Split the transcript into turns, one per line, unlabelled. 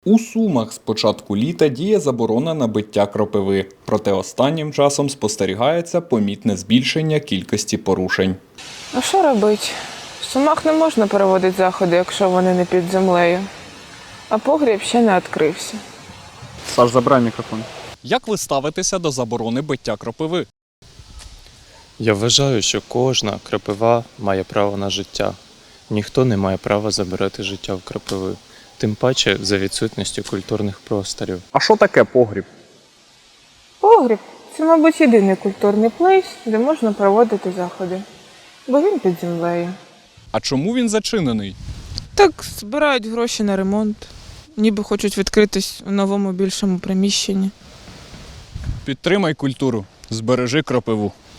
У Сумах з початку літа діє заборона на биття кропиви, проте останнім часом спостерігається помітне збільшення кількості порушень.
А що робити? В Сумах не можна проводити заходи, якщо вони не під землею. А погріб ще не відкрився.
Саш, забирай мікрофон.
Як ви ставитеся до заборони биття кропиви?
Я вважаю, що кожна кропива має право на життя. Ніхто не має права забирати життя в кропиви. Тим паче за відсутністю культурних просторів.
А що таке погріб?
Погріб – це, мабуть, єдиний культурний плейс, де можна проводити заходи. Бо він під землею.
А чому він зачинений?
Так, збирають гроші на ремонт. Ніби хочуть відкритись у новому більшому приміщенні.
Підтримай культуру, збережи кропиву.